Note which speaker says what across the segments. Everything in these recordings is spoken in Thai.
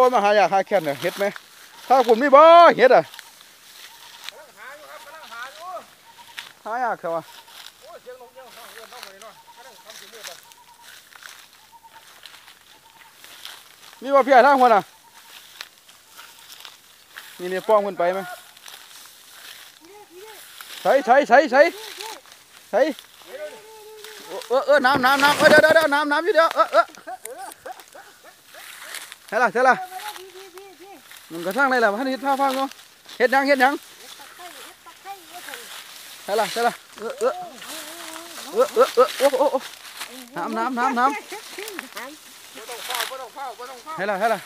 Speaker 1: มาหายากหาแค้นเนี่ยเห็ดไหมถ้าคุณมีบ่เห็ดอ่ะหายากเขาอ่ะมีบ่เพี้ยทางคนอ่ะนี่ป้องขึ้นไปไหมใส่น้ำเดี๋ยวน้ำอยู่เดี๋ยวเฮ้ล่ะมันกระทั่งไรล่ะพันเห็ดผ้าฟังเนาะเห็ดยังเฮ้ล่ะน้ำเฮ้ล่ะแม่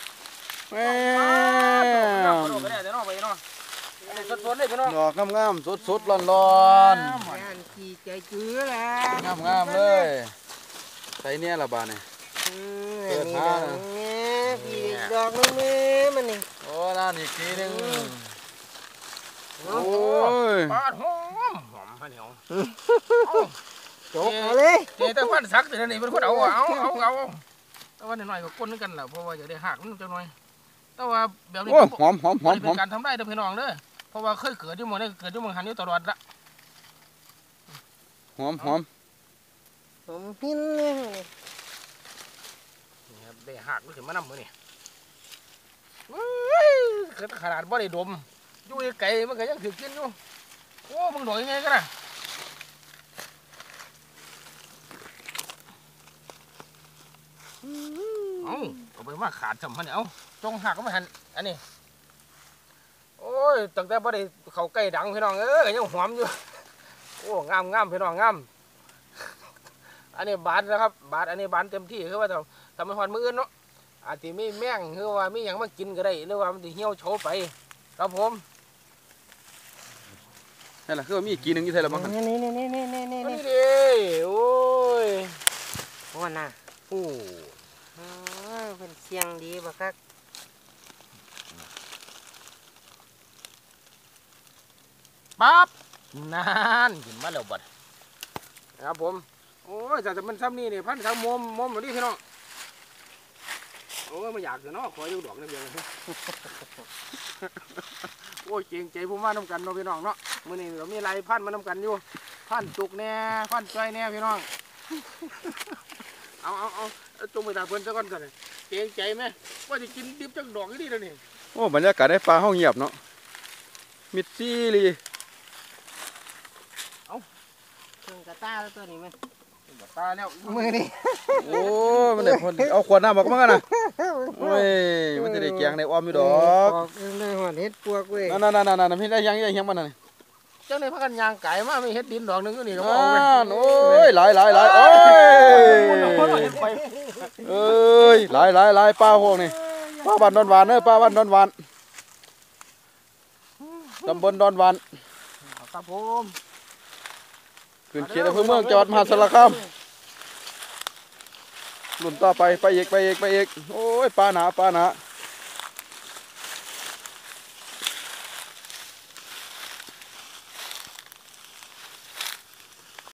Speaker 1: ดอกงามสดร้อน
Speaker 2: ขี่ใจจื้อแหละ
Speaker 1: งามเลยใส่เนี่ยละบาเนี่ย
Speaker 2: เปิดหาพี่ดอกนึงมันนี่
Speaker 1: โอ้น่าอีกทีนึงโอ้ย
Speaker 3: ปาดหอมพันเหนียว
Speaker 2: จบเลย
Speaker 3: เจ้าพันสักแต่นี่เป็นคนเอาแต่ว่าหน่อยก็ก้นนึกกันแหละเพราะว่าอยากได้หักมันจังหน่อยแต่ว่าแบบนี้
Speaker 1: หอม
Speaker 3: เป็นการทำได้แต่พี่น้องเด้อเพราะว่าเคยเกิดที่เมืองนี้เกิดที่เมืองหันอยู่ตลอดละ
Speaker 1: หอม
Speaker 2: หินเลย
Speaker 3: นี่ครับได้หักมันถึงมานำมือนี่ขนาดบ่ได้ดมอยู่ไกลมันก็ยังถือกินอยู่โอ้มึงโดดยังไงกันนะเอาไปมาขาดจำมันเนี่ยเอาจงหักก็ไม่หันอันนี้โอ้ยตั้งแต่บ่ได้เขาใกล้ดังพี่น้องยังหอมอยู่โอ้งามพี่น้องงามอันนี้บานนะครับบานอันนี้บานเต็มที่คือว่าทำให้หอนมืออื่นเนาะอาจจะไม่แม่งคือว่าไม่อย่างมากินก็ได้หรือว่ามันจะเหี่ยวโฉไปครับผม
Speaker 1: นี่แหละคือมีกี่นึงอยู่ไทยละมั้ง
Speaker 2: นี่
Speaker 3: ดิโอ้ย
Speaker 2: ว่าน่ะเป็นเสียงดีบักคัก
Speaker 3: ปั๊บนั่นกินมาแล้วบัดครับผมโอ้ยแต่มันซ้ำนี่เนี่ยพันทั้งมุมแบบนี้พี่น้องโอ้ยมันอยากจะเนาะขออยู่ดอกนี่เดียวเลยโอ้ยเก่งใจผมว่าน้ำกันเนาะพี่น้องเนาะมื้อนี้เรามีไรพันมาน้ำกันอยู่พันจุกแน่พันจ้อยแน่พี่น้องเอาจงไปตาเพิ่นซะก่อนกันเก่งใจไหมว่าจะกินดิบจังดอกนี่เลยนี่
Speaker 1: โอ้บรรยากาศได้ปลาห้องเงียบเนาะมิดซี่ลี
Speaker 2: เครื่องกระตาแล้วตัวนี้มัน
Speaker 3: ตาแล้ว
Speaker 2: มือนี่
Speaker 1: โอ้มันได้คนเอาขวดน้ำบอกมากันนะโอ้ยมันจะได้แกงได้อ้อมอยู่ดอก
Speaker 2: เลยหัวเห็ดปวกเว้ย
Speaker 1: นั่นพี่ได้ยังมันน่ะ
Speaker 3: เจ้าในพักกันยางไก่มาไม่เห็ดดินดอกนึงก็นี่ก็
Speaker 1: เอาโอ้ยหลายโอ้ยหลายปลาพวกนี่ปลาบ้านดอนหวานปลาบ้านดอนหวานตำบลดอนหวาน
Speaker 3: ครับผม
Speaker 1: ขึ้นเขตอำเภอเมืองจังหวัดมหาสารคามหลุนต่อไปอีกโอ้ยปลาหนา